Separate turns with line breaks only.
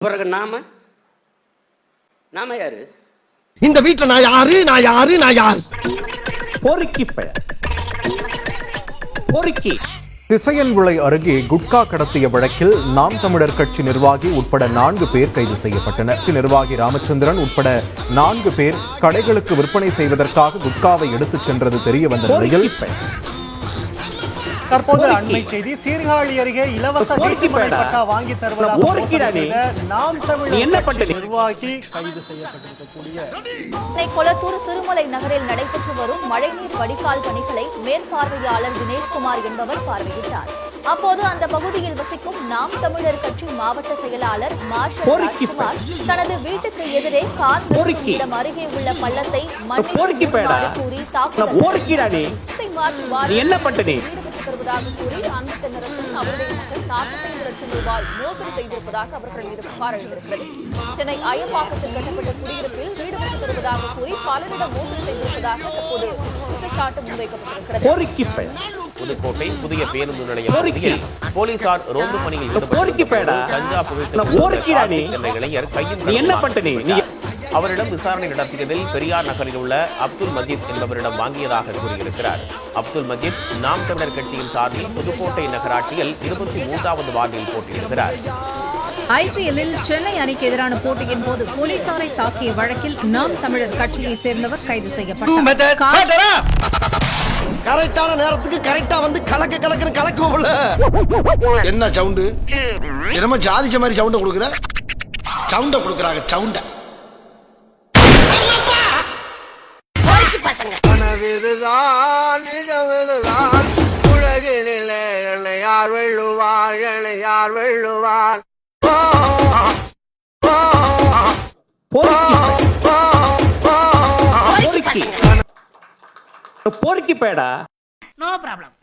பிறகு நாம யாரு?
இந்த வீட்டுல நான் யாரு நான் யாரு நான் யார்?
பொறுக்கி
திசையன்விளை அருகே குட்கா கடத்திய வழக்கில் நாம் தமிழர் கட்சி நிர்வாகி உட்பட 4 பேர் கைது செய்யப்பட்டனர். நிர்வாகி ராமச்சந்திரன் உட்பட 4 பேர் கடைகளுக்கு விற்பனை செய்வதற்காக குட்காவை எடுத்துச் சென்றது தெரிய வந்த நிலையில்
தற்போது அண்மை செய்தி, சீர்காழி அருகே இலவச பட்டா வாங்கி தருவதாக நாம் தமிழர் நிர்வாகி கைது செய்யப்பட்டிருக்கக்கூடிய
கொளத்தூர் திருமலை நகரில் நடைபெற்று வரும் மழைநீர் வடிகால் பணிகளை மேற்பார்வையாளர் தினேஷ்குமார் என்பவர் பார்வையிட்டார். அப்போது அந்த பகுதியில் வசிக்கும் நாம் தமிழர் கட்சி மாவட்ட செயலாளர் மார்ஷல் ராஜ்குமார் தனது வீட்டுக்கு எதிரே கார் நிறுத்தும் அருகே உள்ள பள்ளத்தை மண்ணில் கூறி தாக்குதல் வருவதாக கூறி அந்த தென்னரசன் அவருடைய மக்கள் 45 லட்சம் ரூபாய் மோசடி செய்திருப்பதாக அவர்கள் மீது புகார் எழுந்திருக்கிறது. சென்னை அயப்பாக்கத்தில் கட்டப்பட்ட குடியிருப்பில் வீடு கட்டித் தருவதாக கூறி பலரிடம் மோசடி செய்திருப்பதாக தற்போது குற்றச்சாட்டு முன்வைக்கப்பட்டிருக்கிறது.
புதுக்கோட்டை புதிய பேருந்து நிலையம் பகுதியில் போலீசார் ரோந்து பணியில் ஈடுபட்டு கஞ்சா புகைத்த இளைஞர் கையில் அவரிடம் விசாரணை நடத்தியதில் பெரியார் நகரில் உள்ள அப்துல் மஜீத் என்பவரிடம் வாங்கியதாக கூறியிருக்கிறார். அப்துல் மஜீத் நாம் தமிழர் கட்சியின் சார்பில் புதுக்கோட்டை நகராட்சியில் 23வது வார்டில் போட்டியிடுகிறார்.
ஐபிஎல்லில் சென்னை அணிக்கு எதிரான போட்டியின் போது போலீசாரை தாக்கிய வழக்கில் நாம் தமிழர் கட்சியை சேர்ந்தவர் கைது செய்யப்பட்டார்.
கரெக்டான நேரத்துக்கு கரெக்டா வந்து கலக்குன்னு கலக்குவோம்ல. என்ன சவுண்டு? என்னமோ ஜாதிச்ச மாதிரி சவுண்ட கொடுக்குற? சவுண்ட கொடுக்குறாங்க சவுண்ட.
உலகினிலே என்னை யார் வெல்லுவார், என்னை யார் வெல்லுவார்?
பொறுக்கி பேடா.
No problem.